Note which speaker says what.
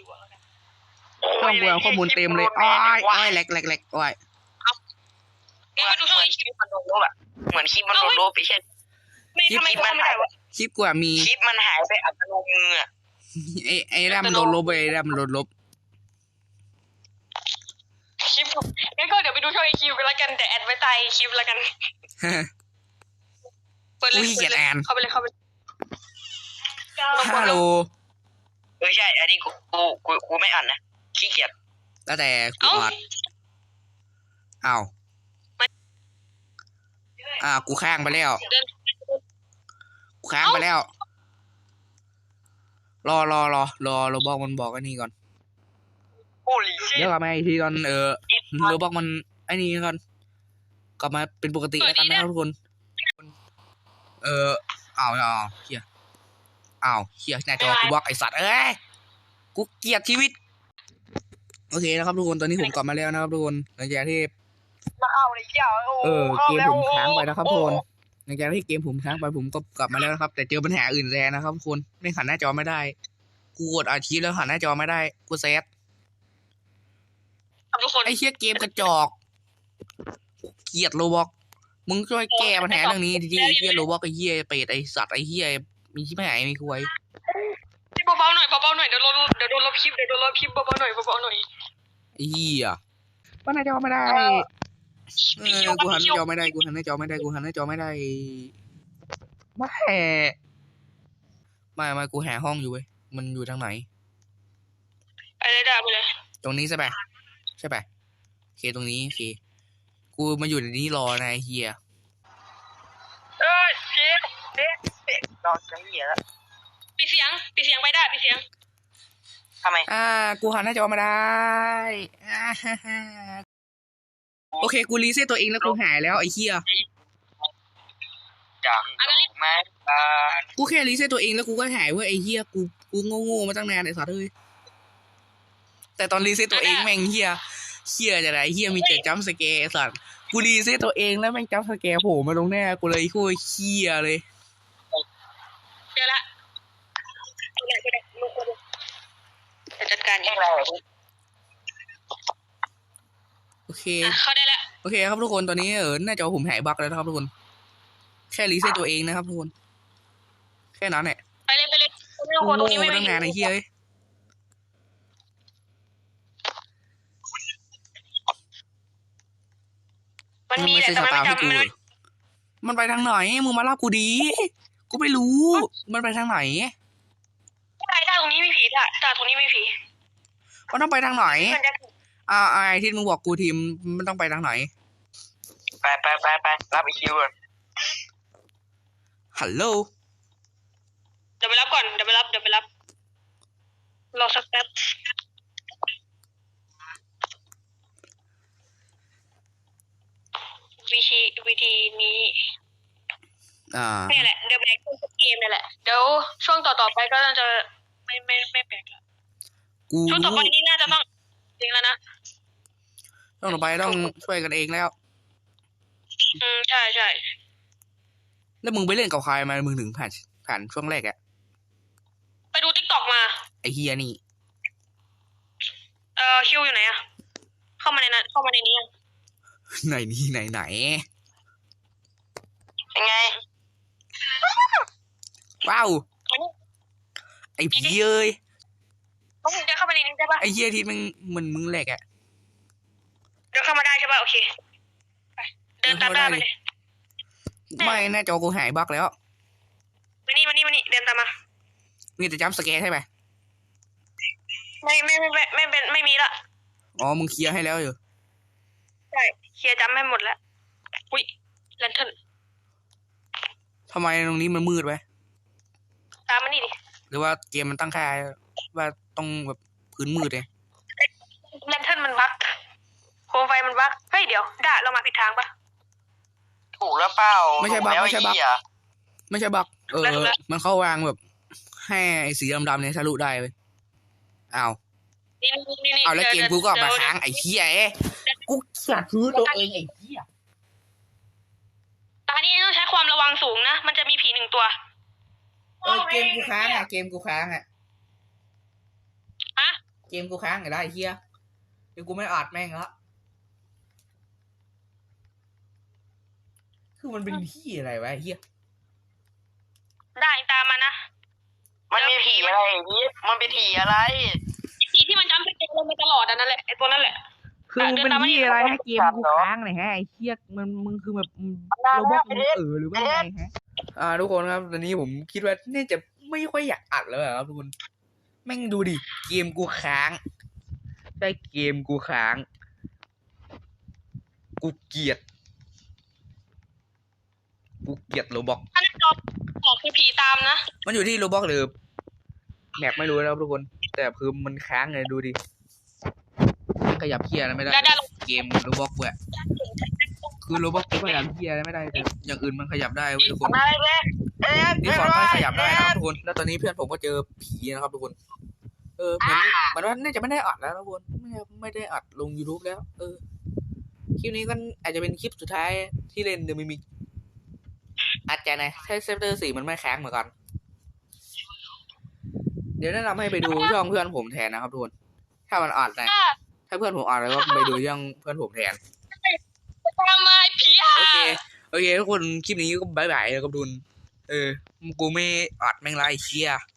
Speaker 1: คิวแล้วกัน
Speaker 2: ต้องเบื่อข้อมูลเต็มเลยอ้อยแหลกอ้อย
Speaker 1: มึงไปดูช่องไอคิวมันโดนลบอะเหมือนคลิปมันโดนลบไปเช่นคลิปมันหายไป
Speaker 2: คลิปกว่ามี
Speaker 1: คลิปมันหายไปอัตโนมืออะ
Speaker 2: ไอ้แรมโดนลบไปแรมโดนลบ
Speaker 1: คลิปงั้นก็เดี๋ยวไปดูช่องไอคิวกันแล้วกันแต่แอดไว้ใต้คลิปแล้วกันเปิดเลยเข้าไปเลย
Speaker 2: ฮัลโหล
Speaker 1: ใช่อันนี้กูไม่อ่านนะขี้เกียจ
Speaker 2: แล้วแต่กูอัดอ้าวกูค้างไปแล้วรอบอกมันบอกไอ้นี่ก่อนเดี๋ยวกลับมาอีกทีตอนเราบอกมันไอ้นี่ก่อนกลับมาเป็นปกติแล้วกันนะครับทุกคนเฮียหน้าจอกูบอกไอสัตว์กูเกลียดชีวิตโอเคนะครับทุกคนตอนนี้ผมกลับมาแล้วนะครับทุกคนหลังจากที่เกมผมค้างไปนะครับทุกคนหลังจากที่เกมผมค้างไปผมก็กลับมาแล้วนะครับแต่เจอปัญหาอื่นแทนนะครับทุกคนไม่หันหน้าจอไม่ได้กูกดอาชีพแล้วหันหน้าจอไม่ได้กูเซฟไอ้เชี่ยเกมกระจอกเกลียดโรบอกมึงช่วยแก้ปัญหาเรื่องนี้ทีไอ้เหี้ยโรบอกไอ้เหี้ยเป็ดไอ้สัตว์ไอ้เหี้ยมีชิบหายมีคุย
Speaker 1: เบาๆหน่อยเดี๋ยวโดนลบคลิปเบาๆหน่อย
Speaker 2: ไอ้เหี้ยหันหน้าจอไม่ได้กูหันหน้าจอไม่ได้ไม่กูหาห้องอยู่เว้ยมันอยู่ทางไหน
Speaker 1: อะไรได้ไปเลย
Speaker 2: ตรงนี้ใช่ปะโอเคตรงนี้โอเคกูมาอยู่ในนี้รอนายเฮีย
Speaker 1: รอจะเหี้ยแล้วปิดเสียงไปได้ปิดเสียงทำไม
Speaker 2: กูหันหน้าจอมาได้โอเคกูรีเซ็ตตัวเองแล้วกูหายแล้วไอ้เฮีย
Speaker 1: จังไหม
Speaker 2: กูแค่รีเซ็ตตัวเองแล้วกูก็หายเว้ยไอ้เฮียกูโง่มาตั้งนานไอ้สัตว์เอ้ยแต่ตอนรีเซ็ตตัวเองแม่งเฮียจะไรเฮียมีแต่จัมป์สแกร์สัตว์กูรีเซ็ตตัวเองแล้วแม่งจัมป์สแกร์โผล่มาตรงหน้ากูเลยโคตรเฮียเลย
Speaker 1: เจอละจัดการเองเรา
Speaker 2: โอเค
Speaker 1: เข้าได้แล้ว
Speaker 2: โอเคครับทุกคนตอนนี้หน้าจอผมหายบั๊กแล้วนะครับทุกคนแค่รีเซ็ตตัวเองนะครับทุกคนแค่นั้นแหละ
Speaker 1: ไปเลยโอ้โหตรงนี้ไม่
Speaker 2: ตั้งนานไอ้เฮีย
Speaker 1: มันมีแต่
Speaker 2: ไม่จำมันไปทางไหนมึงมาเล่ากูดีกูไม่รู้มันไปทางไหน
Speaker 1: ถ้าตรงนี้ไม่ผีถ้าตรงนี้ไม่ผี
Speaker 2: มันต้องไปทางไหนไอ้ที่มึงบอกกูทีมมันต้องไปทางไหน
Speaker 1: ไปรับอีคิวก่อน
Speaker 2: ฮัลโหล
Speaker 1: เดี๋ยวไปรับก่อนเดี๋ยวไปรับรอสักแป๊บวิธีนี้นี่แหละเดี๋ยวแบกเกมนี่แหละเดี๋ยวช่วงต่อไปก็จะไม่แบกแล้วช่วงต่อไปนี้น่าจะต้องจริงแล้วนะ
Speaker 2: ช่วงต่อไปต้องช่วยกันเองแล้ว
Speaker 1: ใช่
Speaker 2: แล้วมึงไปเล่นกับใครมามึงถึงผ่านช่วงแรกอะ
Speaker 1: ไปดู TikTok มา
Speaker 2: ไอเฮียนี่
Speaker 1: คิวอยู่ไหนอะเข้ามาในนี้
Speaker 2: ไหน
Speaker 1: ยังไง
Speaker 2: ว้าวไอผีเอ้ย
Speaker 1: มึงจะเข้ามาในนี้ได้ปะ
Speaker 2: ไอเฮียที่มึงแหลกอะ
Speaker 1: เดินเข้ามาได้ใช่ปะโอเคไปเดินตามได้ไปเลย
Speaker 2: ไม่หน้าจอกูหายบั๊กแล้ว
Speaker 1: มานี่เดินตามมา
Speaker 2: มีแต่จัมป์สแกร์ใช่ไหม
Speaker 1: ไม่มีละ
Speaker 2: อ๋อมึงเคลียร์ให้แล้วอยู่
Speaker 1: ใช่เคลียร์จำให้หมดแล้วอุ้ยแลนเทิร์น
Speaker 2: ทำไมตรงนี้มันมืดไว้
Speaker 1: ตามมานี่ดิ
Speaker 2: หรือว่าเกมมันตั้งค่าว่าต้องแบบพื้นมืดเลย
Speaker 1: แลนเทิร์นมันบั๊กโคมไฟมันบั๊กเฮ้ยเดี๋ยวเรามาผิดทางปะถูกแล้วเปล่า
Speaker 2: ไม่ใช่บั๊กมันเข้าวางแบบให้ไอ้สีดำๆเนี่ยทะลุได้เว้ยอ้าวเอาแล้วเกมกูก็มาค้างไอ้เหี้ยกูอยากซื้อตัวเองไอ้เหี้ย
Speaker 1: ตอนนี้ต้องใช้ความระวังสูงนะมันจะมีผี1 ตัว
Speaker 2: เกมกูค้างอะ
Speaker 1: ฮะ
Speaker 2: เกมกูค้างไงได้เฮียเดี๋ยวกูไม่อัดแม่งละคือมันเป็นที่อะไรวะเฮีย
Speaker 1: ได้ตามมานะ
Speaker 3: มันมีผีอะไรนี่มันเป็นผีอะไร
Speaker 1: ผีที่มันจำสเกลลงมาตลอดอันนั้นแหละไอ้ตัวนั้นแหละ
Speaker 2: คือมึงเป็นที่อะไรให้เกมกูค้างเลยฮะไอ้เฮียมึงคือแบบโรบอทมึงหรือว่าไงฮะทุกคนครับตอนนี้ผมคิดว่าน่าจะไม่ค่อยอยากอัดแล้วครับทุกคนแม่งดูดิเกมกูค้างได้เกมกูค้างกูเกลียดโรบอก
Speaker 1: ถ้าในจอบอกคือผีตามนะ
Speaker 2: มันอยู่ที่โรบอกหรือแมปไม่รู้นะครับทุกคนแต่คือมันค้างเลยดูดิขยับเคียร์อะไรไม่ได้เกมโรบอกเว้ยคือโรบอกกูขยับเคียร์อะไรไม่ได้แต่อย่างอื่นมันขยับได้เว้ยทุกคนนี่ฟอร์ดก็ขยับได้นะครับทุกคนแล้วตอนนี้เพื่อนผมก็เจอผีนะครับทุกคนเหมือนว่าน่าจะไม่ได้อัดแล้วทุกคนไม่ได้อัดลง YouTube แล้วคลิปนี้ก็อาจจะเป็นคลิปสุดท้ายที่เล่นเดอะมิมิกอาจจะนะใช้เซฟเตอร์4มันไม่ค้างเหมือนกันเดี๋ยวแนะนำให้ไปดูช่องเพื่อนผมแทนนะครับทุกคนถ้ามันอัดนะถ้าเพื่อนผมอัดแล้วก็ไปดูช่องเพื่อนผมแทน
Speaker 1: ตามมาไอ้ผีอ่ะ
Speaker 2: โอเคทุกคนคลิปนี้ก็บายบายแล้วครับทุกคนกูไม่อัดแม่งไรเชีย